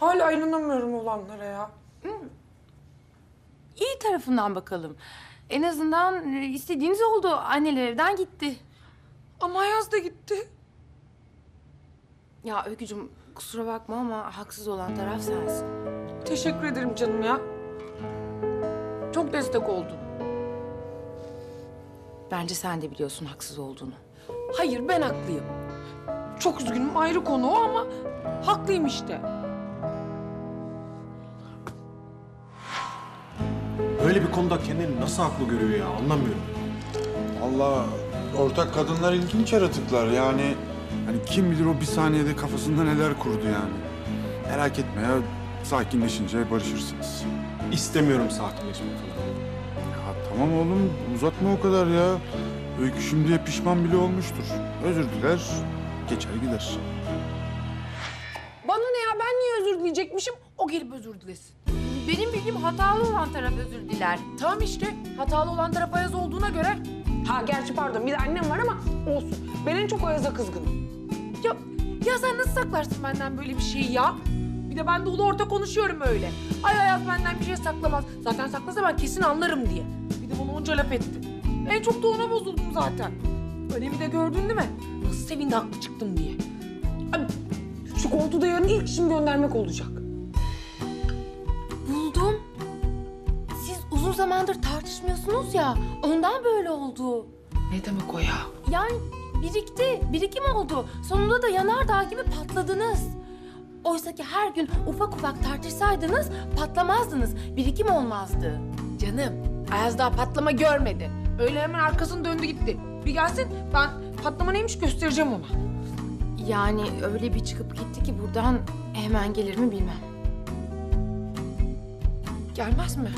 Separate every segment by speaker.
Speaker 1: Hala inanamıyorum olanlara ya.
Speaker 2: İyi tarafından bakalım. En azından istediğiniz oldu. Anneler evden gitti.
Speaker 1: Ama Ayaz da gitti.
Speaker 2: Ya Öykücüğüm kusura bakma ama haksız olan taraf sensin.
Speaker 1: Teşekkür ederim canım ya. Çok destek oldun.
Speaker 2: Bence sen de biliyorsun haksız olduğunu.
Speaker 1: Hayır, ben haklıyım. Çok üzgünüm, ayrı konu o ama haklıyım işte.
Speaker 3: Böyle bir konuda kendini nasıl haklı görüyor ya, anlamıyorum.
Speaker 4: Allah, ortak kadınlar ilginç yaratıklar yani. Hani kim bilir o bir saniyede kafasında neler kurdu yani. Merak etme ya, sakinleşince barışırsınız.
Speaker 3: İstemiyorum sakinleşmek falan.
Speaker 4: Ya tamam oğlum, uzatma o kadar ya. Öykü şimdiye pişman bile olmuştur. Özür diler, geçer gider.
Speaker 1: Bana ne ya, ben niye özür dileyecekmişim? O gelip özür dilesin.
Speaker 2: Benim bildiğim hatalı olan taraf özür diler.
Speaker 1: Tamam işte, hatalı olan taraf Ayaz olduğuna göre. Ha gerçi pardon, bir de annem var ama olsun. Ben en çok Ayaz'a kızgınım. Ya sen nasıl saklarsın benden böyle bir şeyi ya? Bir de ben de ulu orta konuşuyorum öyle. Ay Ayaz benden bir şey saklamaz. Zaten saklasa ben kesin anlarım diye. Bir de bana onca laf etti. En çok da ona bozuldum zaten. Önemi de gördün değil mi? Nasıl sevindi haklı çıktım diye. Ay, şu koltuğu yarın ilk işim göndermek olacak.
Speaker 2: Buldum. Siz uzun zamandır tartışmıyorsunuz ya. Ondan böyle oldu.
Speaker 1: Ne demek o ya?
Speaker 2: Yani birikim oldu. Sonunda da yanardağ gibi patladınız. Oysa ki her gün ufak ufak tartışsaydınız patlamazdınız. Birikim olmazdı.
Speaker 1: Canım, Ayaz daha patlama görmedi. Öyle hemen arkasını döndü gitti. Bir gelsin, ben patlama neymiş göstereceğim ona.
Speaker 2: Yani öyle bir çıkıp gitti ki buradan hemen gelir mi bilmem.
Speaker 1: Gelmez mi?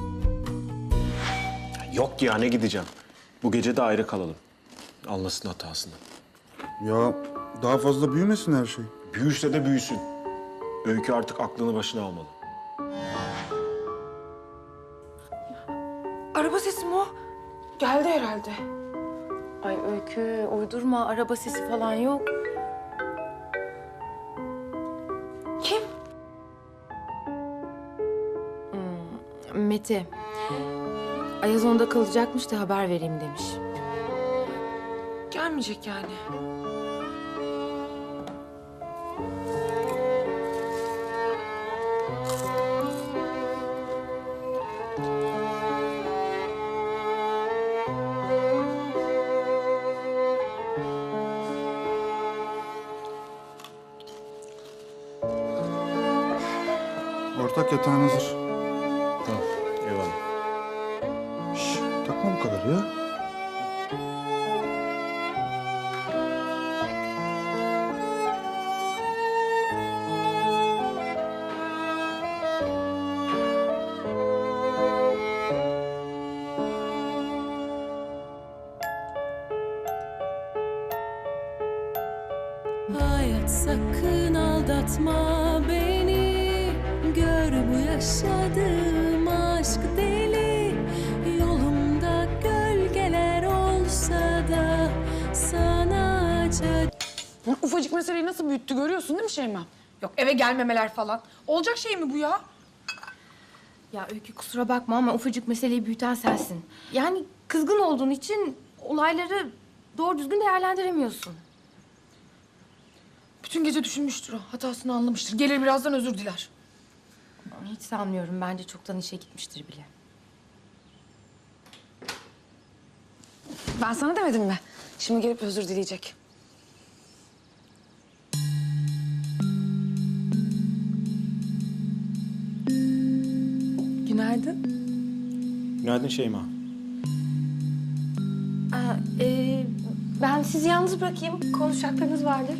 Speaker 3: Yok ya, ne gideceğim. Bu gece de ayrı kalalım. Anlasın hatasını.
Speaker 4: Ya daha fazla büyümesin her şey.
Speaker 3: Büyürse de büyüsün. Öykü artık aklını başına almalı.
Speaker 1: Araba sesi mi o? Geldi herhalde.
Speaker 2: Ay Öykü uydurma, araba sesi falan yok.
Speaker 1: Kim?
Speaker 2: Mete. Ayaz onda kalacakmış da haber vereyim demiş.
Speaker 1: Gelmeyecek yani.
Speaker 4: Ortak yatağın hazır.
Speaker 3: Tamam, eyvallah.
Speaker 4: Şş, takma bu kadar ya.
Speaker 5: Hayat sakın aldatma beni. Gör bu yaşadığım aşk deli. Yolumda gölgeler olsa da sana acı.
Speaker 1: Ufacık meseleyi nasıl büyüttü görüyorsun değil mi Şeyma? Yok eve gelmemeler falan. Olacak şey mi bu ya?
Speaker 2: Ya Öykü kusura bakma ama ufacık meseleyi büyüten sensin. Yani kızgın olduğun için olayları doğru düzgün değerlendiremiyorsun.
Speaker 1: Bütün gece düşünmüştür o. Hatasını anlamıştır. Gelir birazdan özür diler.
Speaker 2: Hiç sanmıyorum. Bence çoktan işe gitmiştir bile.
Speaker 1: Ben sana demedim mi? Şimdi gelip özür dileyecek. Günaydın.
Speaker 3: Günaydın Şeyma.
Speaker 2: Ben sizi yalnız bırakayım. Konuşacaklarınız vardır.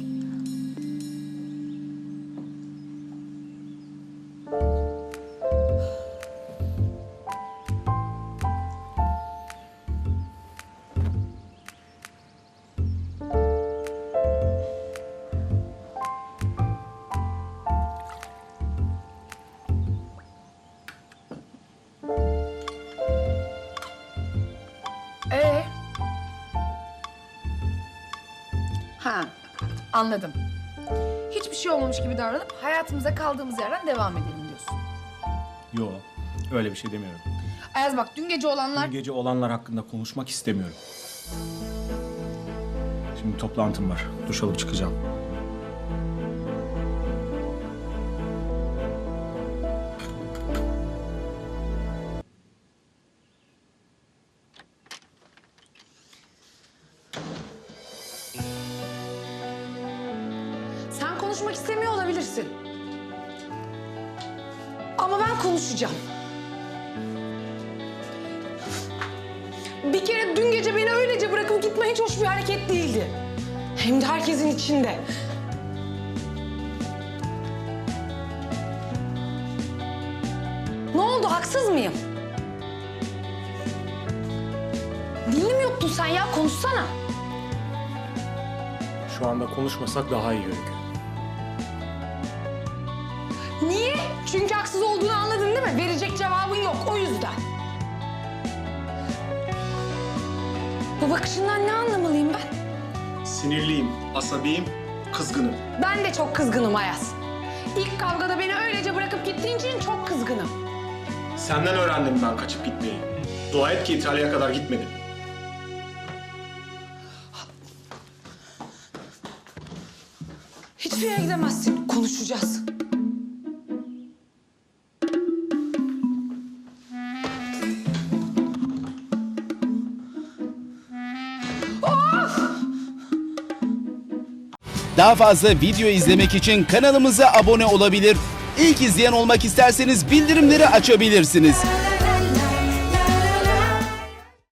Speaker 1: Ha, anladım. hiçbir şey olmamış gibi davranıp hayatımıza kaldığımız yerden devam edelim diyorsun.
Speaker 3: Yo, öyle bir şey demiyorum.
Speaker 1: Ayaz bak dün gece olanlar...
Speaker 3: Dün gece olanlar hakkında konuşmak istemiyorum. Şimdi toplantım var. Duş alıp çıkacağım.
Speaker 1: Sen konuşmak istemiyor olabilirsin. Ama ben konuşacağım. Bir kere dün gece beni öylece bırakıp gitme hiç hoş bir hareket değildi. Hem de herkesin içinde. Ne oldu, haksız mıyım? Dilini mi yuttun sen ya? Konuşsana.
Speaker 3: Şu anda konuşmasak daha iyi Öykü.
Speaker 1: Niye? Çünkü haksız olduğunu anladın değil mi? Verecek cevabın yok, o yüzden. Bu bakışından ne anlamalıyım ben?
Speaker 3: Sinirliyim, asabiyim, kızgınım.
Speaker 1: Ben de çok kızgınım Ayaz. İlk kavgada beni öylece bırakıp gittiğin için çok kızgınım.
Speaker 3: Senden öğrendim ben kaçıp gitmeyi. Dua et ki İtalya'ya kadar gitmedim.
Speaker 1: Hiçbir yere gidemezsin. Konuşacağız.
Speaker 6: Daha fazla video izlemek için kanalımıza abone olabilir. İlk izleyen olmak isterseniz bildirimleri açabilirsiniz.